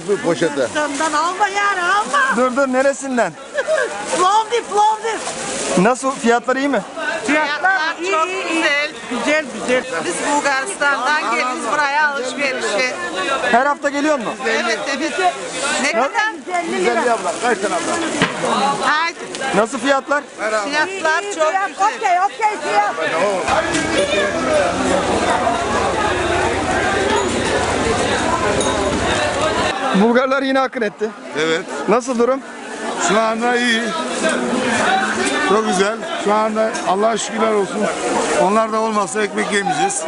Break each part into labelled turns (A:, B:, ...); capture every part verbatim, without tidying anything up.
A: bu poşete.
B: Senden alma yani alma.
C: Dur dur, neresinden?
B: Plovdiv, Plovdiv.
C: Nasıl, fiyatlar iyi mi?
B: Fiyatlar iyi,
D: çok
B: iyi, iyi.
D: güzel.
B: Güzel, güzel.
D: Biz Bulgaristan'dan geliyoruz buraya alışverişe.
C: Her hafta geliyor mu?
D: Evet evet. Ne kadar?
B: yüz elli lira.
A: elli abla, kaç tane abla?
D: Haydi.
C: Nasıl fiyatlar?
D: Fiyatlar
B: İyi, iyi,
D: çok
B: fiyat,
D: güzel.
B: Okey, okey fiyat.
C: Bulgarlar yine akın etti.
A: Evet.
C: Nasıl durum?
A: Şu anda iyi. Çok güzel. Şu anda Allah'a şükürler olsun. Onlar da olmazsa ekmek yemeyeceğiz.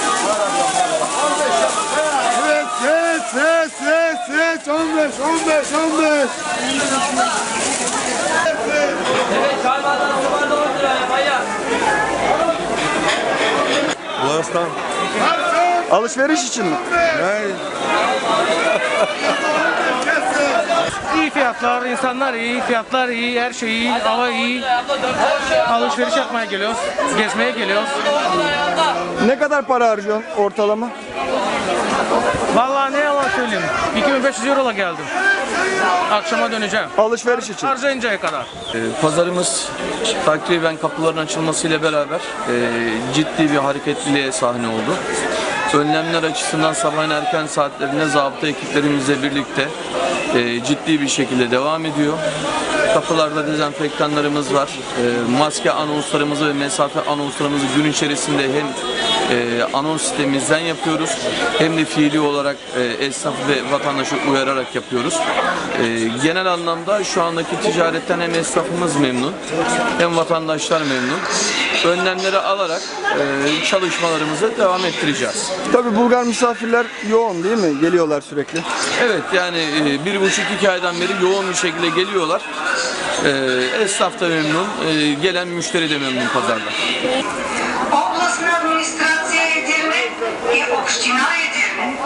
A: Evet, evet, evet, evet, evet. on beş, on beş, on beş. Bulgaristan.
C: Alışveriş için mi?
E: İyi fiyatlar, insanlar iyi, fiyatlar iyi, her şey iyi, hava iyi. Alışveriş yapmaya geliyoruz, gezmeye geliyoruz.
C: Ne kadar para harcıyorsun ortalama?
E: Vallahi ne yalan söyleyeyim, iki bin beş yüz eurola geldim. Akşama döneceğim.
C: Alışveriş için.
E: Harcayıncaya kadar.
F: Ee, Pazarımız takriben kapıların açılmasıyla beraber e, ciddi bir hareketliliğe sahne oldu. Önlemler açısından sabahın erken saatlerinde zabıta ekiplerimizle birlikte e, ciddi bir şekilde devam ediyor. Kapılarda dezenfektanlarımız var. E, maske anonslarımızı ve mesafe anonslarımızı gün içerisinde hem e, anons sitemizden yapıyoruz hem de fiili olarak e, esnafı ve vatandaşı uyararak yapıyoruz. E, genel anlamda şu andaki ticaretten hem esnafımız memnun hem vatandaşlar memnun. Önlemleri alarak e, çalışmalarımızı devam ettireceğiz.
C: Tabii Bulgar misafirler yoğun değil mi? Geliyorlar sürekli.
F: Evet, yani e, bir buçuk iki aydan beri yoğun bir şekilde geliyorlar. E, esnaf da memnun, e, gelen müşteri de memnun pazarda.
G: Областна администрация Edirne и община Edirne.